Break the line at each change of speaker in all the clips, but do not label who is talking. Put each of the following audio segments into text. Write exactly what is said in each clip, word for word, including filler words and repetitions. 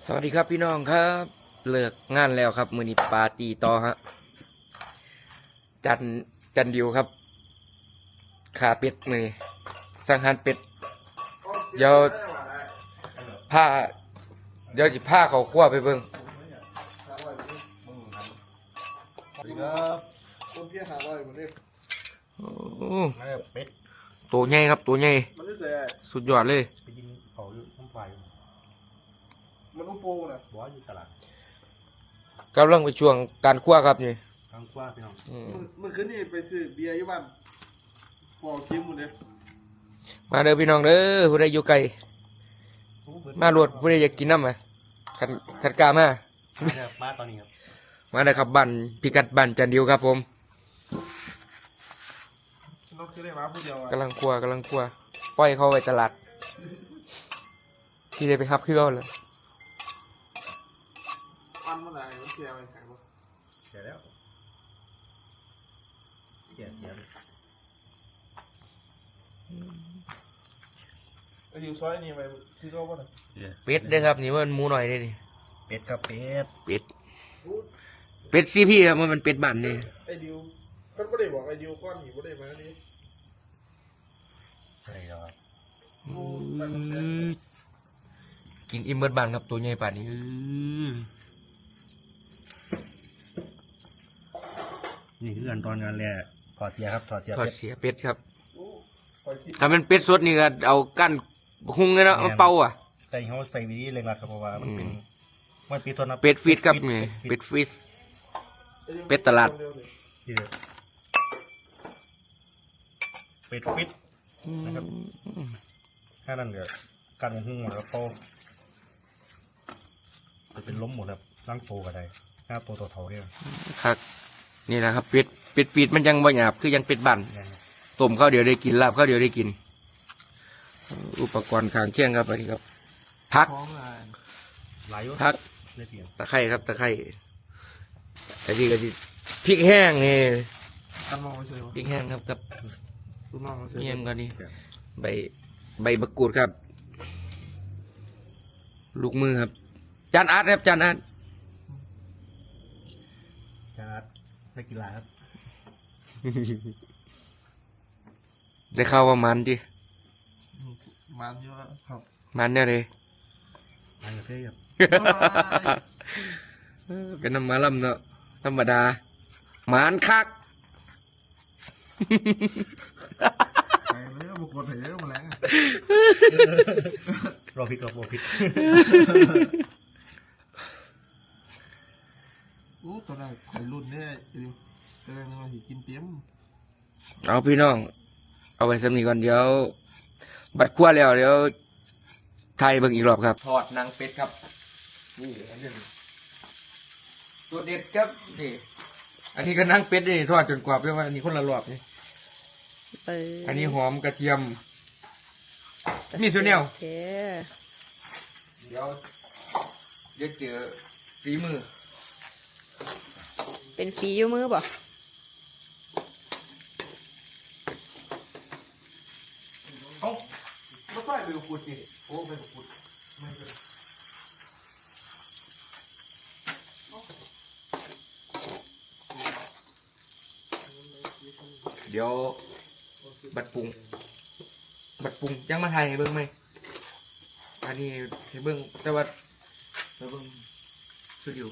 สวัสดีครับพี่น้องครับเลิกงานแล้วครับมือนี้ปาร์ตี้ต่อฮะจันจันดิวครับขาเป็ดมือนี้สังหารเป็ดเดี๋ยวผ้าเดี๋ยวจะผ้าเขาคั่วไปเบิ่ง
สวัสดีครับคนเพี้ยหาอะไรเหมือนเดิม
โอ้
มาแล้วเป็ด
ตัวใหญ่ครับตัวใหญ่
มันไม่ใส่
สุดยอดเลย
ไปยิงเขาอยู่น้ำไฟ
มันอุโปนะ
บอกว่าอยู่ตลาด
กำลังไปช่วงการคั่วครับนี่
ทางกว้างพี่น้อง
อืม
มันมันคืนนี่ไปซื้อเบียร์อยู่บ้านพอคิมหมดเลย
มาเด้อพี่น้องเด้อผู้ใดอยู่ไกลมาโหลดผู้ใดอยากกินน้ำไหมขันขันกล้ามา
เนี่ยมาตอนนี้ครับ
มาเลยครับบันพิกัดบันจันดิวครับผม
น้องคือได้มาผู้เดียวอ่ะ
กำลังคั่วกำลังคั่วปล่อยเขาไปตลาด ที่ได้ไปฮับคือเขาเลย
อันเมื่อไหร่มันเสียไปขายบ่
เสียแล้วเสียเสียเลย
ไอ้อยู่ซอยนี่ไปซื้อเขาบ่น่ะ
เป็ดเด้อครับนี่มันหมูหน่อยนี่นี่
เป็ดครับเป็ด
เป็ดเป็ดซีพี่ครับมันเป็นเป็ดบ้านนี่
ไอ้ดิวเขาไม่ได้บอกไอ้ดิวก้อนหิวไม่ได้มานี่
ใช่แล้วครับ
กินอิ่มเบิดบ้านครับตัวใหญ่ป่านนี้อื้อ
นี่คือขั้นตอนงานแรกถอดเสียครับถอดเสีย
ทอด
เป็ด
เสียเป็ดครับ
โอ้คอยคิด
ถ้าเป็นเป็ดสดนี่ก็เอากั้นหุงเลยเนาะเอาเป่าอ่ะ
แต่เขาใส่วิธีเร่งรัดครับเพราะว่ามันเป็นมันปีต้นนะ
เป็ดฟีดครับนี่เป็ดฟีด เป็ดตลาด
ที่เดียวเป็ดฟิต นะครับ แค่นั้นเดี๋ยวการหุ้งหมดแล้วเขาจะเป็นล้มหมดครับร่างโตก็ได้หน้าโตตัวเท่าเนี่ย
ครับนี่แหละครับเป็ดเป็ดฟีดมันยังบ่หยาบคือยังเป็ดบ้าน
เนี่ย
ต้มข้าวเดียวได้กินลาบข้าวเดียวได้กิน อุปกรณ์ข้างเคียงครับอันนี้ครับพัก
พร้อมเลย
หลายอยุ
พัก
ได้เสียง
ตะไคร้ครับตะไคร้อันนี้ก็สิพริกแห้งนี่
กันมองไปซื้อ
พริกแห้งครับกับ
ลูกน้องมาซื้อ
เยี่ยมกันนี่ใบใบมะกรูดครับ ลูกมือครับ จานอาร์ตครับจานอาร์ต
จาร์ดนักกีฬาครับ
ได้เข้าวว่ามันดิ
มันเยอะครับ
มันเนี่ยเลย
อันนี้เท่ครับ
เป็นน้ำมาล่ำเนาะธรรมดาหมานคัก
ไปเลยบุกกดเหวมาแรง
รอผิดรอผิด
โอ้ตอนแรกไข่รุ่นเนี่ยดิวตอนแรกนึกว่าหิกินเตี้ยม
เอาพี่น้อง เอาไปสำนีก่อนเดี๋ยว บัดขั้วแล้วเดี๋ยวไทยเบิ่งอีกรอบครับทอดนางเป็ดครับนี่อันนี้ตัวเด็ดครับนี่อันนี้ก็นางเป็ดนี่ทอดจนกรอบด้วยว่าอันนี้คนละรอบนี่
เออ
อันนี้หอมกระเทียม มีส่วนเดียว
โอเค
เดี๋ยวเดี๋ยวเจอฝีมือ
เป็นฝีอยู่มือบ่
เอ้าไม่ใช่ใบกุดสิโอ้ใบกุดเดี๋ยวบัดปรุง บัดปรุงยังมาถ่ายให้เบิ่งไหมอันนี้ให้เบิ่งแต่ว่าให้เบิ่งสตูดิโอ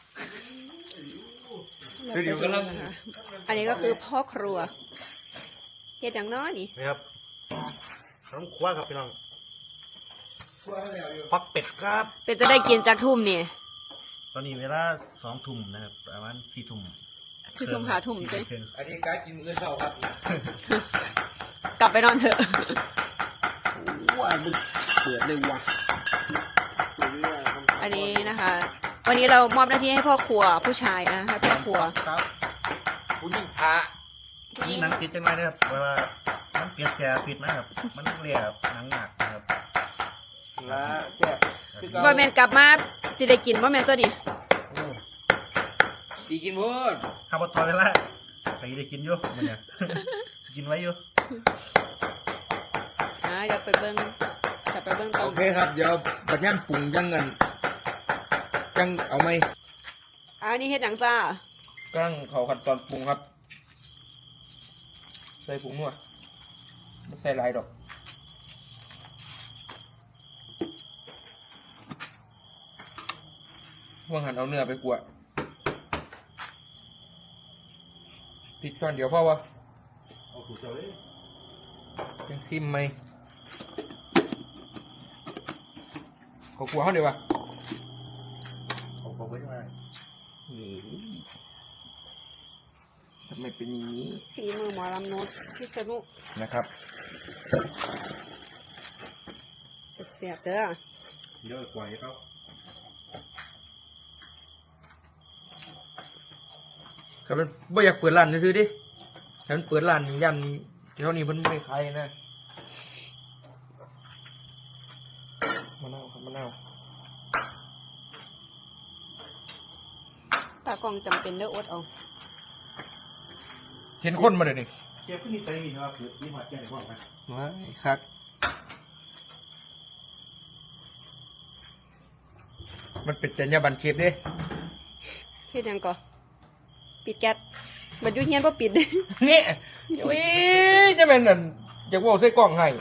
สตูดิโอกำลัง
นะคะอันนี้ก็คือพ่อครัวเฮ็ดอย่างน้อยนี่
นะครับน้องคว้าครับพี่น้องฟักเป็ดครับ
เป็นจะได้กินจากทุ่มนี่
ตอนนี้เวลาสองทุ่มนะครับประมาณสี่ทุ่ม
คือทุ่มหาทุ่ม
สี่
จ้ะ
ครึ่ง
อันนี้การกินมื้อเช้าครับ
กลับไปนอนเถอะ
ว้าบึกเปิดเลยว่ะ
อันนี้นะคะ วันนี้เรามอบหน้าที่ให้พ่อครัวผู้ชายนะให้พ่อครัว
ครับ
ผู้หญิงพระ
นี่หนังติดจังเลยนะครับเพราะว่ามันเปลี่ยนแสฟิตนะครับมันเรียบหนังหนักนะครับ
ละแซ่บคือเก่า
บ่แม่นกลับมาสิได้กินบ่แม่นตัวนี้
โอ้
สีกินหมด
ข้าวบดทอดไปละไปได้กินอยู่มันเนี่ย กินไว้อยู่
อ่าเดี๋ยวไปเบิ่งจะไปเบิ่งตอ
โอน เคครับ เดี๋ยวปัญญามปรุงยังกันจังเอาไหม
อันนี้เฮ็ดหยังจ้า
กั้งเขาขั้นตอนปรุงครับใส่ผงนัวไม่ใส่หลายดอกว่างหันเอาเนื้อไปกลัวพริกก้อนเดียวพ่อวะ
เอาถูกเจ้าเลย
ยังซิมไหมเขากลัวเขาเดี๋ยววะ
เอาเอาไว้ยังไง
เฮ้ยทำไมเป็นอย่างนี้
ฝีมือหมอลำนุชพิษณุ
นะครับ
เสียบๆเด้อ
เยอะกว่าให้เขา
ครับมันไม่อยากเปิดร้านซื้อๆดิถ้ามันเปิดร้านนี่ยันเท่านี้มันไม่ขายนะมะนาวครับมะนาว
ตากล้องจำเป็นเด้ออดเอา
เห็นคนมาเลยนี่
เชฟขึ้นนี่ใจมีนะครับคือที่มาแจ้งในห้องนะ
ว้ายครับมันเป็นจรรยาบรรณเชฟเด้
เฮ็ดหยังก่อปิดแก๊สบัดอยู่เฮียนบ่ปิด
นี่วิจะเป็นนั่นจะว่าใส่กล่องให้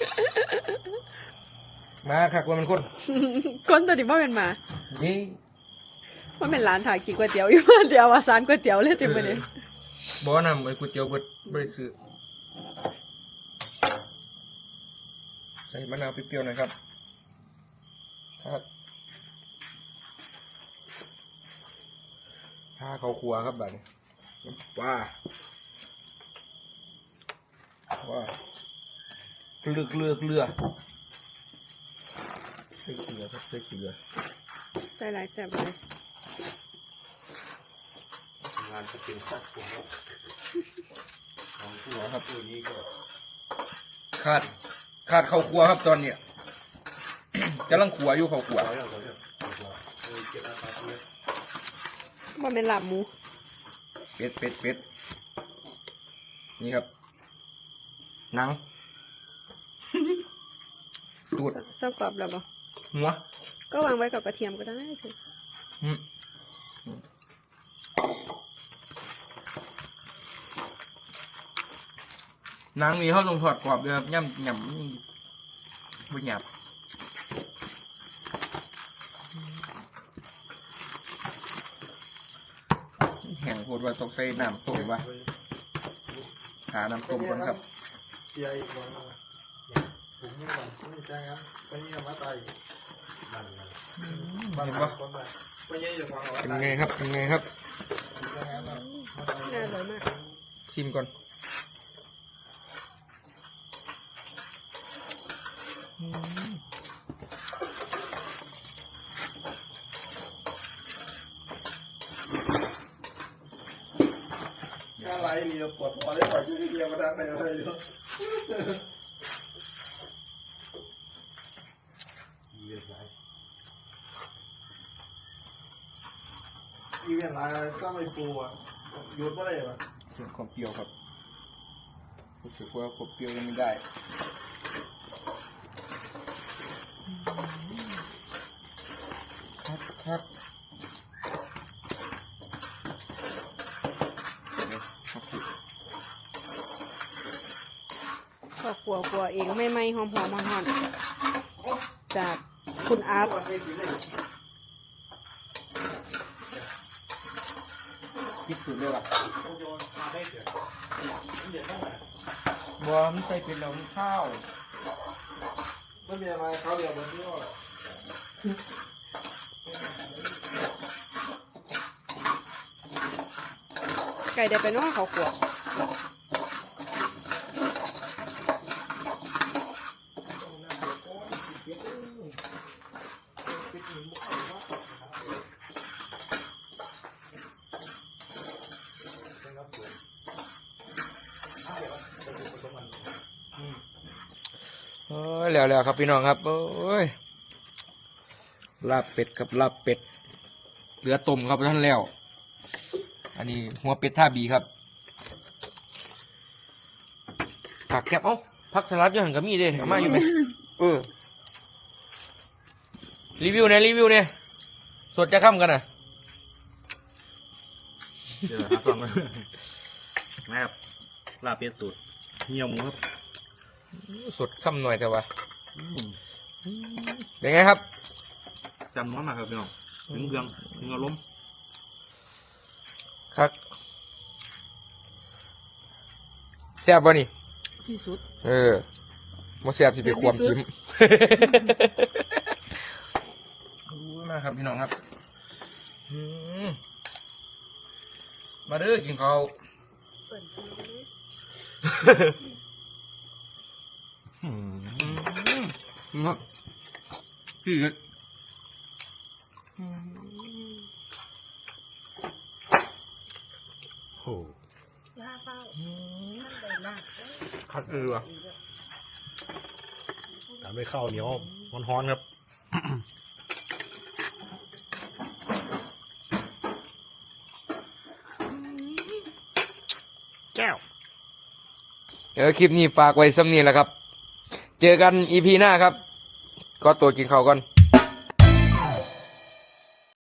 มาคักว่ามันคน
คนตัวนี้บ่เป็นหมา
นี่
ว่าเป็นร้านถ่ายกินก๋วยเตี๋ยวอยู่บ้านเดียวว่าซานก๋วยเตี๋ยวเลยติมื้อนี้
บ่นำไอ้ก๋วยเตี๋ยวเบิดบ่ได้ซื้อใส่มะนาวเปรี้ยวๆหน่อยครับครับถ้าเขาครัวครับบัดนี้ว้าว้าเกลือเกลือเกลือใส่เกลือครับใส่เกลือ
ใส่หลายแซ่บเลย
งานจะเป็นสักผมของผู้ว่าครับตัวนี้ก็
ขาดขาดเข้าครัวครับตอนเนี้ย กำลังขัวอยู่เข้าครัว
เอาอย่างเอาอย่างเอาเออเก็บอาสาเลย
บ่เป็นลาบหมู
เป็ดเป็ดเป็ดนี่ครับหนัง ตูด
เซากรอบแล้วบ่
หัว
ก็วางไว้กับกระเทียมก็ได้เถอะ
อืมหนังนี่เขาต้องถอดกรอบด้วยครับย่ำย่ำนี่บนหยาบแห้งโคตรว่าต้องใส่น้ำต้มวะหาน้ำต้มก่อนครับ
เสียอีกวันละผมไม่หวังไม่จ้างงั้นไปเยี่ยมมาตายบ้านบ้านคนไปไปเยี่ยมฟังว่า
เป็น
ตาย
ไงครับเป็นไงครับ
จ้างงั้น
น่าอร่อยมาก
ชิมก่อน
อะไรเรียวปวดพอได้ปล่อยช่วยเรียวมาทางไหนอะไรเนาะ
เรียบร้อย
อีเวนต์อะไรสร้างไอ้ปูอ่ะหยุดไม่ได้ป่ะ
เพิ่มความเปรี้ยวครับรู้สึกว่าความเปรี้ยวยังไม่ได้ครับครับเดี๋ยวครับพี่
ก็ขัวขัวเองไม่ไม่หอมหอมหอมจากคุณอาร์ต
คิดสุดเลยว่ะ
โยนมาได้เถอะเดี๋ยวต้องมา
บอมนใส่เป็นเหล้าข้าว
ไม่มีอะไรเขาเรียวแบบนี้ว่า
ไก่ได้ไปเน้อเขาขัว
เอ้ยแล้วแล้วครับพี่น้องครับโอ้ยลาบเป็ดครับลาบเป็ดเหลือต้มครับท่านแล้ว อันนี้หัวเป็ดท่าบีครับผักแคบเอ้าผักสลัดอยังหันกับมีเด้เอามาอยู่ไหมเออรีวิวเนี่ยรีวิวเนี่ยสดจะค่ำกันน่ะ
เดี๋ยวหาฟังมานะครับลาบเป็ดสูตรเหี่ยวหมูครับ
สดค่ำหน่อยแต่ว่า
อืม
เป็นไงครับ
จำน้อยมากครับพี่น้องถึงเครื่องถึงอารมณ์
ครับแซ่บป่ะนี่
ที่สุด
เออมาแซ่บสิไปความจิ้มรู้มากครับพี่น้องครับอืมมาเด้อกินข้าว
เปิดซื้อเลย
อืม
อืมครับพี่ก็
อืม
โอ้
ย่าเฝ้า
อืม
ท่านใดล่ะ
คัดเออว่ะทำให้ข้าวเหนียวร้อนๆครับ แก้ว
เออคลิปนี้ฝากไว้ซ้ำนี้แหละครับ เจอกันอีพีหน้าครับ ก็ตัวกินข้าวก่อน